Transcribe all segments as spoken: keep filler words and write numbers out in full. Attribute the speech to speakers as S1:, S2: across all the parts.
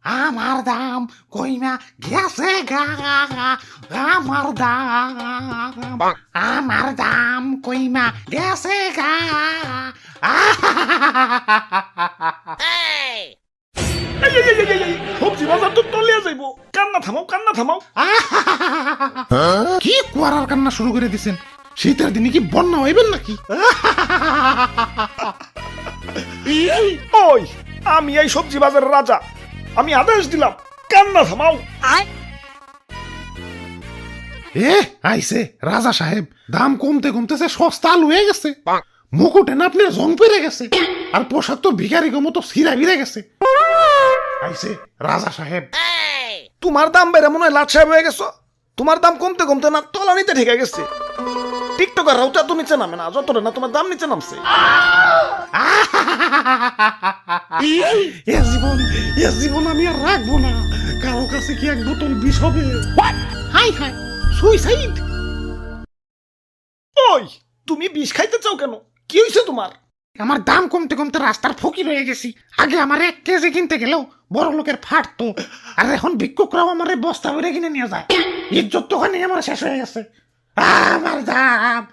S1: আমার দাম কইমা গেছে গা আমার দাম আমার দাম কইমা গেছে গা
S2: সবজি বাজার তো তলিয়া যাইব কান্না থামাও কান্না থামাও
S1: কি কুয়ারার কান্না শুরু করে দিছেন শীতের দিনে কি বন্যা হইবেন নাকি
S2: ওই আমি এই সবজি বাজারের রাজা আমি আদেশ দিলাম কান্না থামাও
S1: এ আইছে রাজা সাহেব দাম কমতে কমতেছে সস্তা লুয়ে গেছে মুকুটে না আপনি জং পেরে গেছে আর পোশাক তো ভিখারি মতো সিরা বিরে গেছে আইছে রাজা সাহেব
S2: তোমার দাম বেড়ে মনে হয় লাট সাহেব হয়ে গেছো তোমার দাম কমতে কমতে না তলানিতে ঠেকে গেছে টিকটকার রাউটা তো নিচে নামে না যতটা না তোমার দাম নিচে নামছে
S1: এ জীবন এ জীবন আমি আর রাখবো না কারো কাছে কি এক বোতল বিষ হবে হাই হাই সুইসাইড
S2: ওই তুমি বিষ খাইতে চাও কেন কি হয়েছে তোমার
S1: আমার দাম কমতে কমতে রাস্তার ফকির হয়ে গেছি আগে আমার এক কেজি কিনতে গেলেও বড় লোকের ফাটতো আর এখন ভিক্ষুকরাও আমার বস্তা ভরে কিনে নিয়ে যায় ইজ্জত তো ওখানে আমার শেষ হয়ে গেছে আমার দাম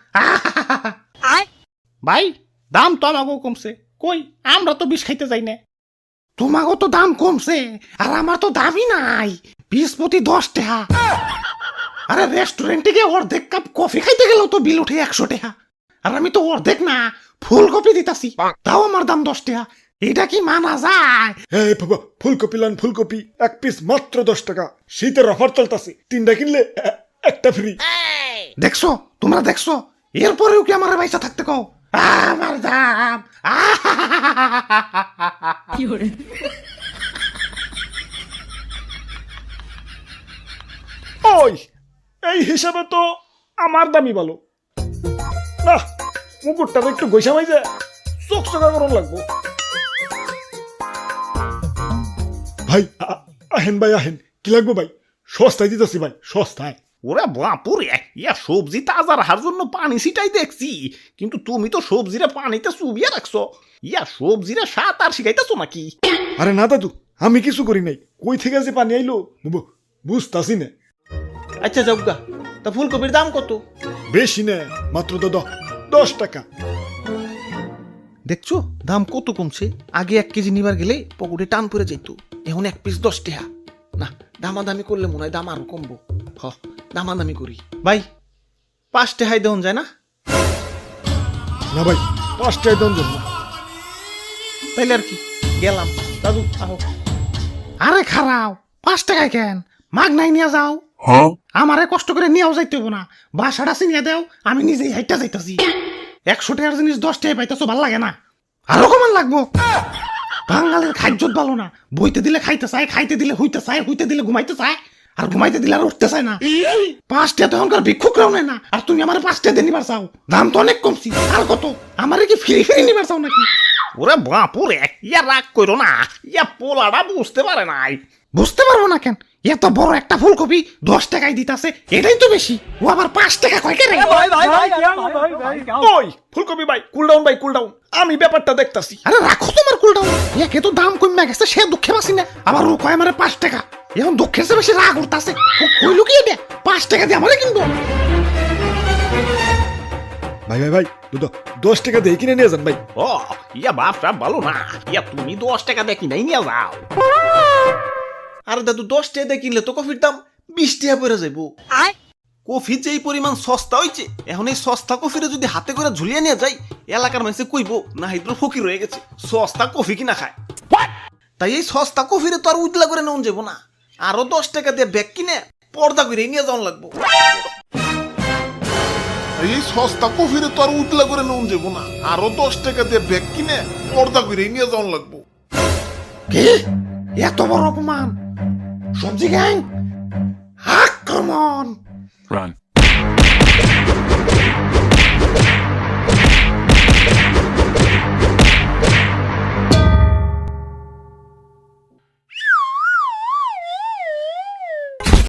S1: ভাই দাম তো আমাকেও কমছে কই আমরা তো বিষ খাইতে যাই না তোমাকেও তো দাম কমছে আর আমার তো দামই নাই বিশ প্রতি দশ টাকা আরে রেস্টুরেন্টে গিয়ে অর্ধেক কাপ কফি খাইতে গেলেও তো বিল উঠে একশো টাকা আর আমি তো অর্ধেক না ফুলকপি দিতাছি তাও আমার দাম দশ টাকা এটা কি মানা যায়
S2: এই বাবা ফুলকপি লান ফুলকপি এক পিস মাত্র দশ টাকা শীতের অফার চলতেছে তিনটা কিনলে এ- একটা ফ্রি
S1: দেখছো তোমরা দেখছো এরপরেও কি আমার পয়সা থাকতে কও আমার দাম
S2: ওই এই হিসাবে তো আমার দামই ভালো না মুকুটটা একটু গৈসামাই যায় চোখ চোখা করুন লাগবো ভাই আ- আহেন ভাই আহেন কি লাগবো ভাই সস্তায় দিতেছি ভাই সস্তায়
S3: ওরে বাপুরে ইয়া সবজি তাজা রাখার জন্য পানি ছিটাই দেখছি কিন্তু তুমি তো সবজিরে পানিতে চুবিয়ে রাখছো ইয়া সবজিরে সাত আর শিখাইতেছো নাকি
S2: আরে না দাদু আমি কিছু করি নাই কই থেকে যে পানি আইলো বু- বুঝতাছি না
S3: আচ্ছা যাবগা তা ফুলকপির দাম কত
S2: বেশি না মাত্র তো দ- দশ টাকা
S3: দেখছো দাম কত কমছে আগে এক কেজি নিবার গেলে পকেটে টান পড়ে যেত এখন এক পিস দশ টাকা না দামাদামি করলে মনে হয় দাম আরো কমবো হ দামাদামি করি ভাই পাঁচ টাকায় দেওয়া যায় না
S2: না ভাই পাঁচটায় দাম জন্য
S3: তাইলে আর কি গেলাম দাদু আহো
S1: আরে খারাও পাঁচ টাকায় কেন মাগ নাই নিয়ে যাও আমারে কষ্ট করে নিয়েও যাইতে হবো না বাসাটা চিনিয়ে দেও আমি নিজেই হাইটা যাইতাছি একশো টাকার জিনিস দশ টাকায় পাইতেছো ভাল লাগে না আরো কমান লাগবো বাঙালির খাদ্যত ভালো না বইতে দিলে খাইতে চায় খাইতে দিলে হইতে চায় হইতে দিলে ঘুমাইতে চায় আর ঘুমাইতে দিলে আর উঠতে চায় না পাঁচটা তো এখনকার ভিক্ষুকরাও নেয় না আর তুমি আমার পাঁচটা দিয়ে নিবার চাও দাম তো অনেক কমছি আর কত আমারে কি ফ্রি ফ্রি নিবার চাও নাকি
S3: ওরে বাপুরে ইয়া রাগ করো না ইয়া পোলাটা বুঝতে পারে নাই
S1: বুঝতে পারবো না কেন এত বড় একটা ফুলকপি দশ টাকায় দিতাছে এটাই তো বেশি ও আবার পাঁচ টাকা কয় কেন
S2: ওই ফুলকপি ভাই কুল ডাউন ভাই কুল ডাউন আমি ব্যাপারটা দেখতাছি
S1: আরে রাখো তোমার কুলটাও একে তো দাম কমে গেছে সে দুঃখে বাসি না আবার ও কয় আমারে পাঁচ টাকা এখন দুঃখের চেয়ে বেশি রাগ উঠতাছে কইলো কি এটা পাঁচ টাকা দিয়ে আমারে কিনবো
S2: ভাই ভাই ভাই দুটো দশ টাকা দিয়ে কিনে নিয়ে যান ভাই
S3: ও ইয়া বাপটা ভালো না ইয়া তুমি দশ টাকা দেখি নাই নিয়ে যাও আরে দাদু দশ টাকা দিয়ে কিনলে তো কফির দাম বিশ টাকা পড়ে যাইব কফি যে এই পরিমাণ সস্তা হয়েছে এখন এই সস্তা কফিরে যদি হাতে করে ঝুলিয়ে নিয়ে যাই এলাকার মানুষে কইব না হাইদ্র ফকির হয়ে গেছে সস্তা কফি কিনা খায় তাই এই সস্তা কফিরে তো আর উজলা করে নেওয়া যাবো না আরো দশ টাকা দিয়ে ব্যাগ কিনে পর্দা করে নিয়ে যাওয়া লাগবো
S4: এই সস্তা কফিরে তো আর উতলা করে নুন যাবো না আরো দশ টাকা দিয়ে ব্যাগ কিনে পর্দা করে নিয়ে যাওয়ান লাগবো
S1: কি এত বড় অপমান সবজি গ্যাং আক্রমণ
S5: Run.